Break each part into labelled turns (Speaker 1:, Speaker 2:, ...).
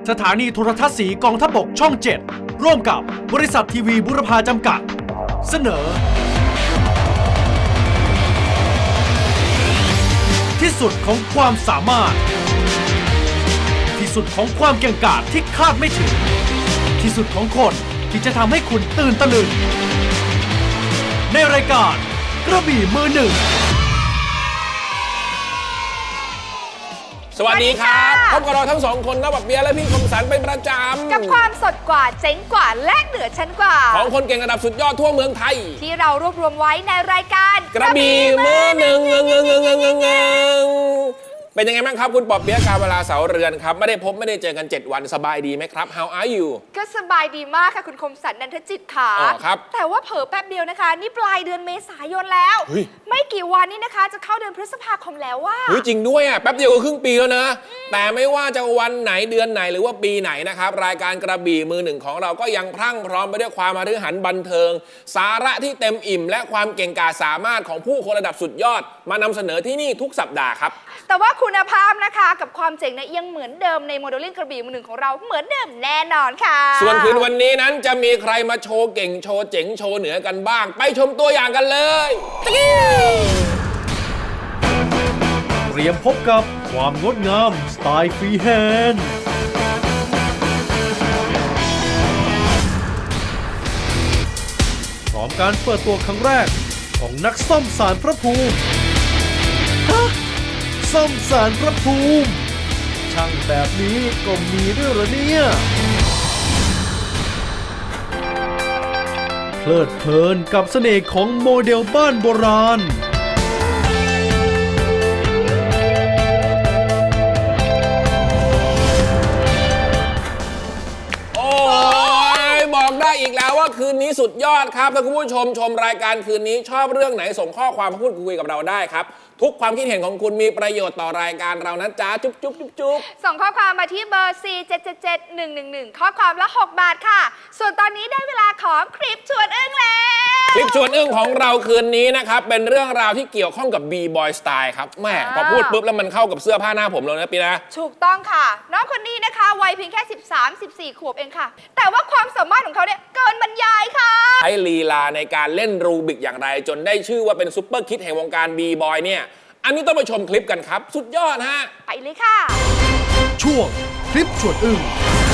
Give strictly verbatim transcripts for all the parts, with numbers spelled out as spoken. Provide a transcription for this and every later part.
Speaker 1: สถานีโทรทัศน์สีกองทัพบกช่องเจ็ดร่วมกับบริษัททีวีบุรพาจำกัดเสนอที่สุดของความสามารถที่สุดของความเก่งกาจที่คาดไม่ถึงที่สุดของคนที่จะทำให้คุณตื่นตะลึงในรายการกระบี่มือหนึ่ง
Speaker 2: สวัสดีครับพบกับเราทั้งสองคนนะบักเบียร์และพี่คมสันเป็นประจำ
Speaker 3: กับความสดกว่าเจ๋งกว่าและเหนือชั้นกว่า
Speaker 2: ของคนเก่งระดับสุดยอดทั่วเมืองไทย
Speaker 3: ที่เรารวบรวมไว้ในรายการ
Speaker 2: กระบี่มือหนึ่งเงงเงงเงงเงงเงงเป็นยังไงบ้างครับคุณปอบเปี๊ยกการเวลาเสาเรือนครับไม่ได้พบไม่ได้เจอกันเจ็ดวันสบายดีไหมครับ How are you
Speaker 3: ก็สบายดีมากค่ะคุณคมสันนันทจิตค่ะ
Speaker 2: อ๋อครับ
Speaker 3: แต่ว่าเผลอแป๊บเดียวนะคะนี่ปลายเดือนเมษายนแล้วไม่กี่วันนี้นะคะจะเข้าเดือนพฤษภาคมแล้วว่า
Speaker 2: เฮ้ยจริงด้วยอ่ะแป๊บเดียวก็ครึ่งปีแล้วนะแต่ไม่ว่าจะวันไหนเดือนไหนหรือว่าปีไหนนะครับรายการกระบี่มือหนึ่งของเราก็ยังพรั่งพร้อมไปด้วยความมฤหันบันเทิงสาระที่เต็มอิ่มและความเก่งกาจสามารถของผู้คนระดับสุดยอดมานำเสนอที่นี่ทุกสัปดาห์ครับ
Speaker 3: แต่ว่าคุณภาพนะคะกับความเจ๋งเนี่ยยังเหมือนเดิมในโมเดลลิ่งกระบี่มือหนึ่งของเราเหมือนเดิมแน่นอนค่ะ
Speaker 2: ส่วนคืนวันนี้นั้นจะมีใครมาโชว์เก่งโชว์เจ๋งโชว์เหนือกันบ้างไปชมตัวอย่างกันเลย
Speaker 1: เตรียมพบกับความงดงามสไตล์ฟรีแฮนด์พร้อมการเปิดตัวครั้งแรกของนักซ่อมศาลพระภูมิฮะซ่อมศาลพระภูมิช่างแบบนี้ก็มีด้วยเหรอเนี่ยเพลิดเพลินกับเสน่ห์ของโมเดลบ้านโบราณ
Speaker 2: ได้อีกแล้วว่าคืนนี้สุดยอดครับถ้าคุณผู้ชมชมรายการคืนนี้ชอบเรื่องไหนส่งข้อความมาพูดคุยกับเราได้ครับทุกความคิดเห็นของคุณมีประโยชน์ต่อรายการเรานะจ๊ะจุ๊บจุ๊บจุ๊บจุ๊บ
Speaker 3: ส่งข้อความมาที่เบอร์ สี่ เจ็ด เจ็ด เจ็ด หนึ่ง หนึ่ง หนึ่ง ข้อความละหกบาทค่ะส่วนตอนนี้ได้เวลาของคลิปชวนอึ้งแล้ว
Speaker 2: คลิปชวนอึ้งของเราคืนนี้นะครับเป็นเรื่องราวที่เกี่ยวข้องกับ B-Boy Style ครับแม่พอพูดปุ๊บแล้วมันเข้ากับเสื้อผ้าหน้าผมเลยนะปีนะ
Speaker 3: ถูกต้องค่ะน้องคนนี้นะคะวัยเพียงแค่ สิบสาม สิบสี่ ขวบเองค่ะแต่ว่าความสามารถของเขาเนี่ยเกินบรรยายค่ะ
Speaker 2: ใช้ลีลาในการเล่นรูบิกอย่างไรจนได้ชื่อว่าเป็นซุปเปอร์คิดแห่งวงการ B-Boy เนี่ยอันนี้ต้องไปชมคลิปกันครับสุดยอดฮะ
Speaker 3: ไปเลยค่ะ
Speaker 1: ช่วงคลิปชวนอึ้ง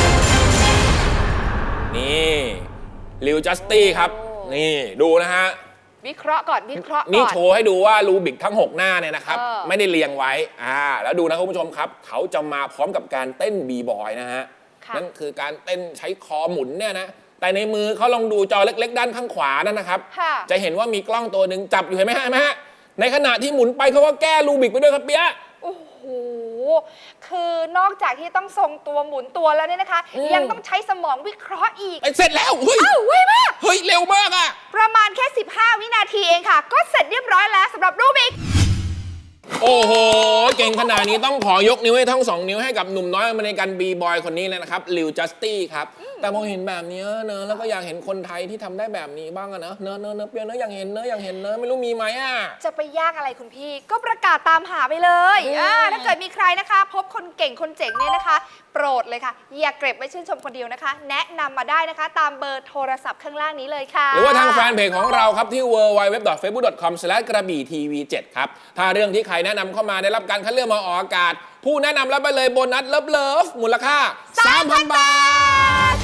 Speaker 2: นี่ลิวจัสตี้ครับนี่ดูนะฮะ
Speaker 3: วิเคราะห์ก่อนวิเคราะห์ก่อน
Speaker 2: นี่โชว์ให้ดูว่ารูบิกทั้งหกหน้าเนี่ยนะครับไม่ได้เรียงไว้อ่าแล้วดูนะคุณผู้ชมครับเขาจะมาพร้อมกับการเต้นบีบอยนะฮะนั่นคือการเต้นใช้คอหมุนเนี่ยนะแต่ในมือเขาลองดูจอเล็กๆด้านข้างขวานั่นนะครับจะเห็นว่ามีกล้องตัวหนึ่งจับอยู่เห็นไหมฮะเห็นไหมฮะในขณะที่หมุนไปเขาก็แก้รูบิกไปด้วยครับเปี๊ยะ
Speaker 3: โอ้โหคือนอกจากที่ต้องทรงตัวหมุนตัวแล้วเนี่ยนะคะยังต้องใช้สมองวิเคราะห์อีก
Speaker 2: เสร็จแล้วเฮ้ย
Speaker 3: อ้าวเว้ยมาก
Speaker 2: เฮ้ยเร็วมากอะ
Speaker 3: ประมาณแค่สิบห้าวินาทีเองค่ะก็เสร็จเรียบร้อยแล้วสำหรับรูบิก
Speaker 2: โอ้โหเก่งขนาดนี้ต้องขอยกนิ้วให้ทั้งสองนิ้วให้กับหนุ่มน้อยอเมริกันบีบอยคนนี้เลยนะครับลิวจัสตี้ครับแต่พอเห็นแบบนี้เนอะแล้วก็อยากเห็นคนไทยที่ทำได้แบบนี้บ้างอะเนอะเนอะเนอะเนอะเปียเนอะอยากเห็นเนอะอยากเห็นเนอะไม่รู้มีไหมอะ
Speaker 3: จะไปยากอะไรคุณพี่ก็ประกาศตามหาไปเลยอ่าถ้าเกิดมีใครนะคะพบคนเก่งคนเจ๋งเนี่ยนะคะโปรดเลยค่ะอย่าเก็บไว้ชื่นชมคนเดียวนะคะแนะนำมาได้นะคะตามเบอร์โทรศัพท์ข้างล่างนี้เลยค่ะ
Speaker 2: หรือว่าทางแฟนเพจของเราครับที่ ดับเบิลยู ดับเบิลยู ดับเบิลยู ดอท เฟซบุ๊ก ดอท คอม สแลช กระบี่ทีวีเจ็ดครับถ้าเรื่องที่ใครแนะนำเข้ามาได้รับการคัดเลือกมาออกอากาศผู้แนะนำรับไปเลยโบนัสเลิฟเลิฟมูลค่า สามพัน บาท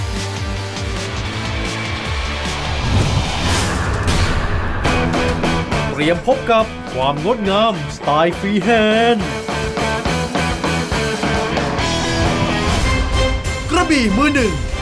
Speaker 1: เตรียมพบกับความงดงามสไตล์ฟรีแฮนด์กระบี่มือหนึ่ง